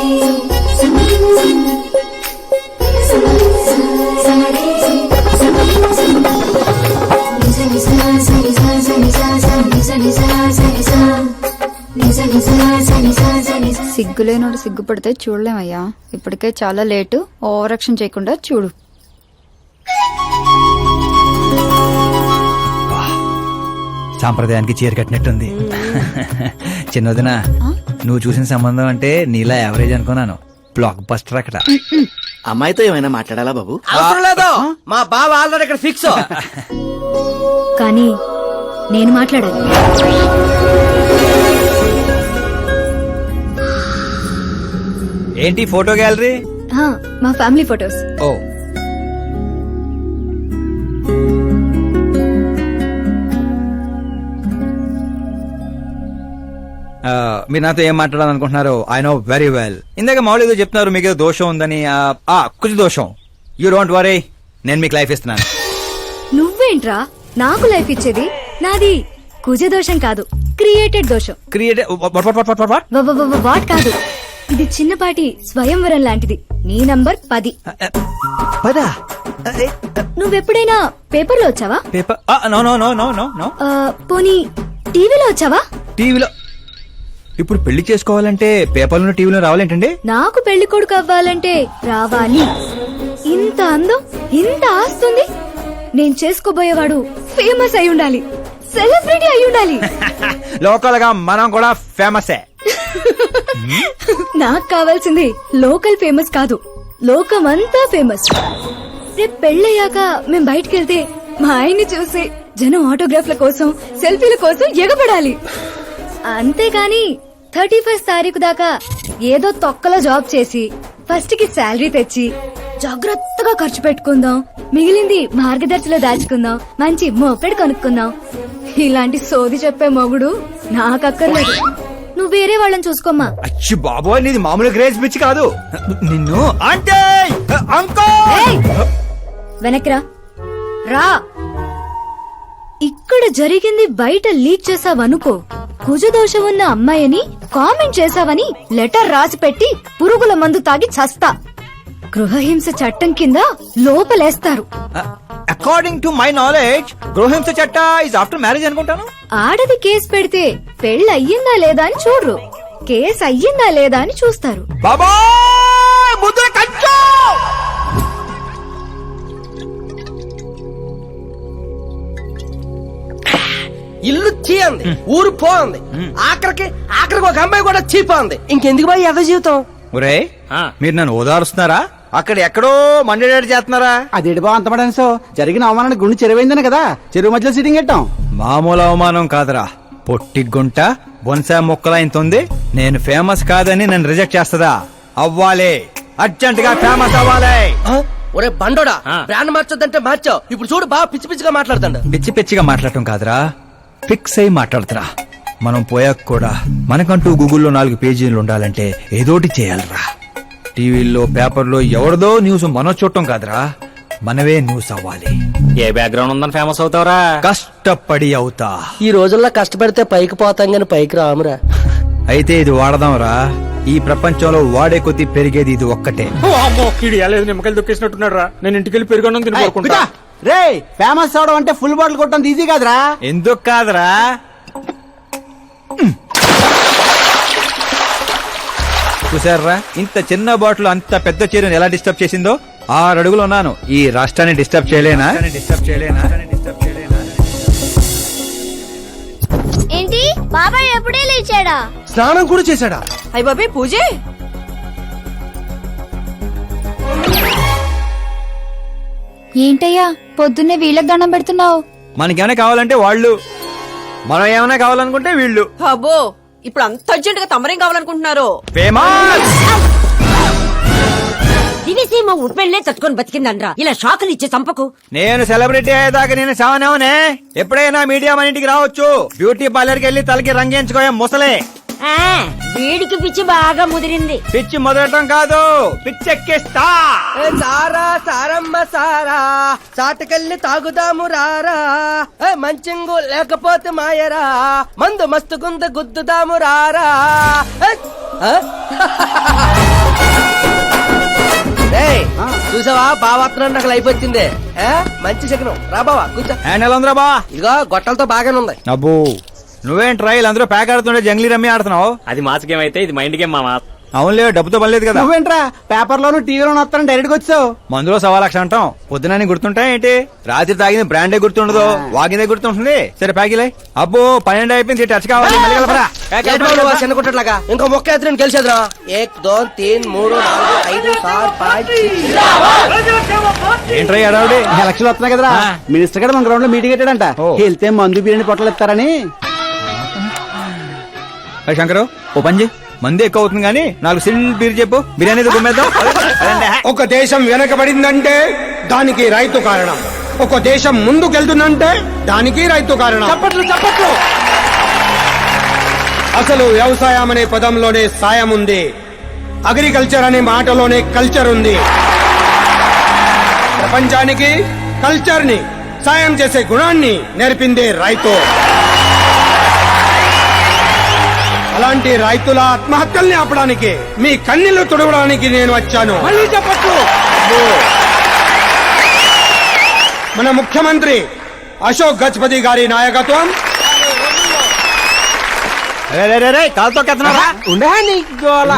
సిగ్గులేనోడు సిగ్గుపడితే చూడలేమయ్యా. ఇప్పటికే చాలా late. Over action చేయకుండా చూడు. సాంప్రదాయానికి చీర కట్టినట్టుంది. చిన్నదినా నువ్వు చూసిన సంబంధం అంటే నీలా యావరేజ్ అనుకున్నాను. బ్లాక్ బస్టర్ అక్కడ. అమ్మాయితో ఏమైనా మాట్లాడాలా బాబు? అవసరం లేదు, మా బావ ఆల్రెడీ ఇక్కడ ఫిక్స్. కానీ నేను మాట్లాడాలి. ఏంటి ఫోటో గ్యాలరీ? మా ఫ్యామిలీ ఫొటోస్. ఓ మీరు నాతో ఏం మాట్లాడాలనుకుంటున్నారు? I know very well. ఇందాక మామూలు ఏదో చెప్తున్నారు, మీకు ఏదో దోషం ఉందని. కొంచెం దోషం. యూ డోంట్ వరీ, నేను మీకు లైఫ్ ఇస్తున్నాను. నువ్వేంట్రా నాకు లైఫ్ ఇచ్చేది? నాది కుజ దోషం కాదు, క్రియేటెడ్ దోషం. వాట్ కాదు, ఇది చిన్నపాటి స్వయంవరం లాంటిది. నీ నంబర్ 10. నువ్వెప్పుడైనా పేపర్లో వచ్చావా? Paper? No no no no no no. పోనీ టీవీలో వచ్చావా? టీవీలో? ఇప్పుడు పెళ్లి చేసుకోవాలంటే పేపర్లో టీవీలో రావాలేంటండి? నాకు పెళ్లి కొడుకు అవ్వాలంటే రావాలి. ఇంత అందం, ఇంత ఆస్తుంది. నేను చేసుకోబోయేవాడు ఫేమస్ అయి ఉండాలి, సెలబ్రిటీ అయి ఉండాలి. లోకల్ గా మనం కూడా ఫేమసే. నాకు కావాల్సింది లోకల్ ఫేమస్ కాదు, లోకమంతా ఫేమస్. రేపు పెళ్ళయ్యాక మేం బయటకెళ్తే మా ఆయన్ని చూసి జనం ఆటోగ్రాఫ్ల కోసం, సెల్ఫీల కోసం ఎగబడాలి. అంతేగాని 31st తారీఖు దాకా ఏదో తొక్కలో జాబ్ చేసి ఫస్ట్ కి శాలరీ తెచ్చి జాగ్రత్తగా ఖర్చు పెట్టుకుందాం, మిగిలింది మార్గదర్శిలో దాచుకుందాం, మంచి మోపెడు కొనుక్కుందాం. ఇలాంటి సోది చెప్పే మొగుడు నాకక్కర్లేదు. నువ్వు వేరే వాళ్ళని చూసుకోమ్మా. అచ్చి బాబోయ్, నీది మామూలు గ్రేజ్ పిచ్చి కాదు. నిన్ను అంటే వెనక్రా రా. ఇక్కడ జరిగింది బయట లీక్ చేసావనుకో, కుజదోషం ఉన్న అమ్మాయిని కామెంట్ చేసావని లెటర్ రాసి పెట్టి పురుగుల మందు తాగి చస్తా. గృహహింస చట్టం కింద లోపలేస్తారు. అకార్డింగ్ టు మై నాలెడ్జ్ గృహహింస చట్ట ఇస్ ఆఫ్టర్ మ్యారేజ్ అనుకుంటాను. ఆడది కేసు పెడితే పెళ్లి అయ్యిందా లేదా అని చూడరు, కేసు అయ్యిందా లేదా అని చూస్తారు. బాబా ముద్ర కంచు. ఇల్లు చీయంది, ఊరు పోంది, ఆఖరికి ఒక అమ్మాయి కూడా చీపోంది. ఇంకెందుకు బాయ్ ఎద జీవితం? ఒరే, మీరు నన్ను ఓదారుస్తున్నారా? అక్కడ ఎక్కడో మండేడాడు చేస్తున్నారా? అదేడు బా అంత పడనిసో జరిగిన అవమానానికి గుండె చెరువైందని కదా చెరువు మధ్యలో సిట్టింగ్ పెట్టాం. మామూలు అవమానం కాదురా, పొట్టి గుంట బొన్సా మొక్కలా ఇంతుంది. నేను ఫేమస్ కాదని నన్ను రిజెక్ట్ చేస్తదా? అవ్వాలి, అర్జెంట్ గా ఫేమస్ అవ్వాలి. ఒరే బండోడా, బ్రాండ్ మార్చొద్దంటే మార్చావు. ఇప్పుడు చూడు బాగా పిచ్చి పిచ్చిగా మాట్లాడుతాడు. పిచ్చి పిచ్చిగా మాట్లాడటం కాదురా, ఫిక్స్ అయి మాట్లాడుతురా. మనం పోయాక కూడా మనకంటూ గూగుల్లో 4 పేజీలు ఉండాలంటే ఏదోటి చేయాలరా. టీవీల్లో పేపర్లో ఎవరిదో న్యూస్ మనం చూడటం కాదురా, మనవే న్యూస్ అవ్వాలి. ఏ బ్యాక్గ్రౌండ్ ఉందని ఫేమస్ అవుతావురా? కష్టపడి అవుతా. ఈ రోజుల్లో కష్టపడితే పైకి పోతాం గాని పైకి రామురా. అయితే ఇది వాడదాంరా. ఈ ప్రపంచంలో వాడే కొద్దీ పెరిగేది ఇది ఒక్కటే. నిమ్మకాయలు దొక్కేసినట్టున్నాడు రా. నేను ఇంటికి వెళ్ళి పెరుగొన్నం తినుకుంటా. రే, ఫేమస్ అవడం అంటే ఫుల్ బాటిల్ కొట్టడం ఈజీ కాదురా. ఎందుకు కాదురా? చూసారా, ఇంత చిన్న బాటిల్ అంత పెద్ద చీరను ఎలా డిస్టర్బ్ చేసిందో. 6 అడుగులు ఉన్నాను, ఈ రాష్ట్రాన్ని డిస్టర్బ్ చేయలేనా? ఏంటి బాబాయ్ ఎప్పుడే లేచాడా? స్నానం కూడా చేశాడా? అయ్య బాబాయ్ పూజే. ఏంటయ్యా పొద్దున్నే వీళ్ళకి దండం పెడుతున్నావు? మనకేమైనా కావాలంటే వాళ్ళు, మనం ఏమైనా కావాలనుకుంటే వీళ్ళు. అబ్బో, ఇప్పుడు అంత అర్జెంట్ గా తమరేం కావాలనుకుంటున్నారు? ఫేమస్. దివిసీమ ఉప్పెళ్లే తట్టుకొని బతికిందనరా, ఇలా షాకులు ఇచ్చే చంపకు. నేను సెలబ్రిటీ అయ్యేదాకా నేను సావనేవనే. ఎప్పుడైనా మీడియా మన ఇంటికి రావచ్చు. బ్యూటీ పార్లర్కి వెళ్ళి తలకి రంగేయించుకోయా ముసలే. వీడికి పిచ్చి బాగా ముదిరింది. పిచ్చి మొదలటం కాదు, పిచ్చెక్కిస్తా. సారా సారమ్మ సారా, చాటకెళ్ళి తాగుదాము రారా. మంచింగు లేకపోతే మాయరా, మందు మస్తుకుంద గుద్దుదాము రారా. ఆ? ఏయ్, చూసావా బావాత్రం నాకు లైఫ్ వచ్చింది ఆ? మంచి శకనం రా బావా కూర్చో. హ్యాండ్ ఎలా ఉందిరా బా ఇదిగో గొట్టలతో బాగానే ఉంది. అబ్బో నువ్వేం ట్రైల్ అందరూ ప్యాక్ ఆడుతుండే జంగ్లీ రమ్మి ఆడుతున్నావు. అది మాస్ గేమ్ అయితే ఇది మైండ్ గేమ్ మామా. అవునులే డబ్బుతో పని లేదు కదా. నువ్వేంట్రా పేపర్ లోను టీవీలోను వస్తాను డైరెక్ట్ గా వచ్చావు. మందులో 1,00,000 అంటాం పొద్దునని గుర్తుంటాయి ఏంటి? రాత్రి తాగింది బ్రాండే గుర్తుండదు, వాగిందే గుర్తుంటుంది. సరే ప్యాకిలే. అబ్బో 12 అయిపోయింది, టచ్ కావాలి మళ్ళీ కలపరా. ఏంటి బాబు నువ్వు చిన్న కుట్టట్లాగా ఇంకో మొక్క ఎత్తున గెలిచేద్రా. 1 2 3 4 5 6 5 ఏంట్రై అడావుడి? ఎలక్షన్ వస్తున్నాయి కదరా, ఆ. మినిస్టర్ గారు మన గ్రౌండ్ లో మీటింగ్ పెట్టాడంట. ఓ. వెళ్తే మందు బిర్యానీ పొట్టలు ఇస్తారని. శంకరు ఓ పంజి మంది ఎక్కువ అవుతుంది కానీ 4 సిల్ బీర్ చెప్పు, బిర్యానీ గుమ్మేద్దాం. ఒక దేశం వెనకబడిందంటే దానికి రైతు కారణం. ఒక దేశం ముందుకెళ్తుందంటే దానికి రైతు కారణం. చప్పట్లు చప్పట్లు. అసలు వ్యవసాయం అనే పదంలోనే సాయం ఉంది. అగ్రికల్చర్ అనే మాటలోనే కల్చర్ ఉంది. ప్రపంచానికి కల్చర్ ని, సాయం చేసే గుణాన్ని నేర్పిందే రైతు. అలాంటి రైతుల ఆత్మహత్యల్ని ఆపడానికి, మీ కన్నీళ్లు తుడవడానికి నేను వచ్చాను. మళ్ళీ చెప్పట్లు. మన ముఖ్యమంత్రి అశోక్ గజపతి గారి నాయకత్వం, కాలుతో ఉండే నీ గోల.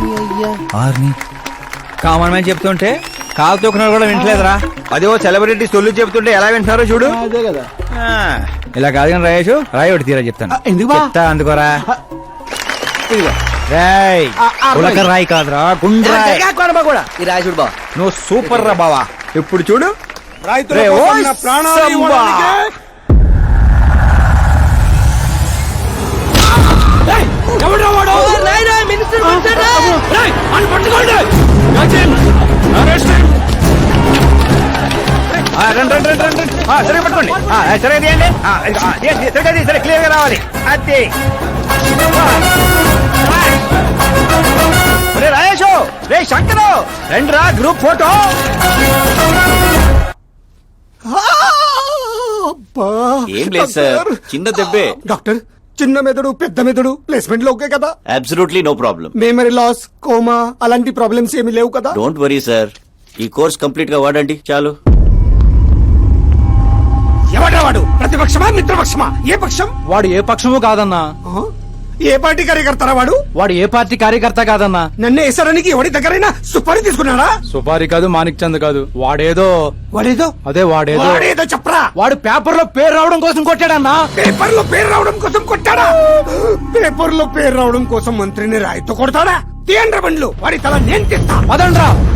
కామన్ మ్యాన్ చెప్తుంటే కాలు తొక్కున్నారు కూడా వింటలేదురా. అదే ఓ సెలబ్రిటీ సొల్లు చెప్తుంటే ఎలా వింటున్నారో చూడు. అదే కదా. ఆ, ఇలా కాదు కానీ రాయేషు రాయి ఒకటి తీరా చెప్తాను. ఎందుకు బా? చెప్తా అందుకోరా. ఇదిగో. రాయ్ రాయి. ఉలక రాయి కాదురా, గుండ్రాయ్. కూడా ఈ రాజుడు బావ నువ్వు సూపర్ రా బావా. ఇప్పుడు చూడు రైతుల రే, కోసం ఓయ్ నా ప్రాణాలు సంబా. ఇవ్వడానికే ఆ, రండి, రండి, రండి, రండి. ఆ, సరిగ్గా పట్టుకోండి. ఆ, సరిగ్గా తీయండి. ఆ, తీయండి, సరిగ్గా తీయండి, సరే క్లియర్ గా రావాలి. అది రే రాయేషు, రే శంకరు, రండి రా గ్రూప్ ఫోటో. ఏం లేదు సార్, చిన్న దెబ్బే. డాక్టర్, చిన్న మెదడు పెద్ద మెదడు ప్లేస్మెంట్ లో ఓకే కదా? Absolutely no problem. Memory loss, coma అలాంటి ప్రాబ్లమ్స్ ఏమీ లేవు కదా? డోంట్ వరీ సార్, ఈ కోర్స్ కంప్లీట్ గా వాడండి చాలు. ఎవడా వాడు? ప్రతిపక్షమా మిత్రపక్షమా? ఏ పక్షం? వాడు ఏ పక్షము కాదన్నా. ఆ? ఏ పార్టీ కార్యకర్తారా వాడు? వాడు ఏ పార్టీ కార్యకర్త కాదన్నా. నన్ను వేసడానికి ఎవడి దగ్గరైనా సుపారీ తీసుకున్నాడా? సుపారి కాదు, మాణిక్ చంద్ కాదు, వాడేదో వాడేదో వాడేదో చెప్పరా. వాడు పేపర్ లో పేరు రావడం కోసం కొట్టాడన్నా. పేపర్ లో పేరు రావడం కోసం కొట్టాడా? పేపర్ లో పేరు రావడం కోసం మంత్రిని రాయితో కొడతాడా? తీయండ్ర బండ్లు, వాడి తల నేను తీస్తా. పదండ్రా.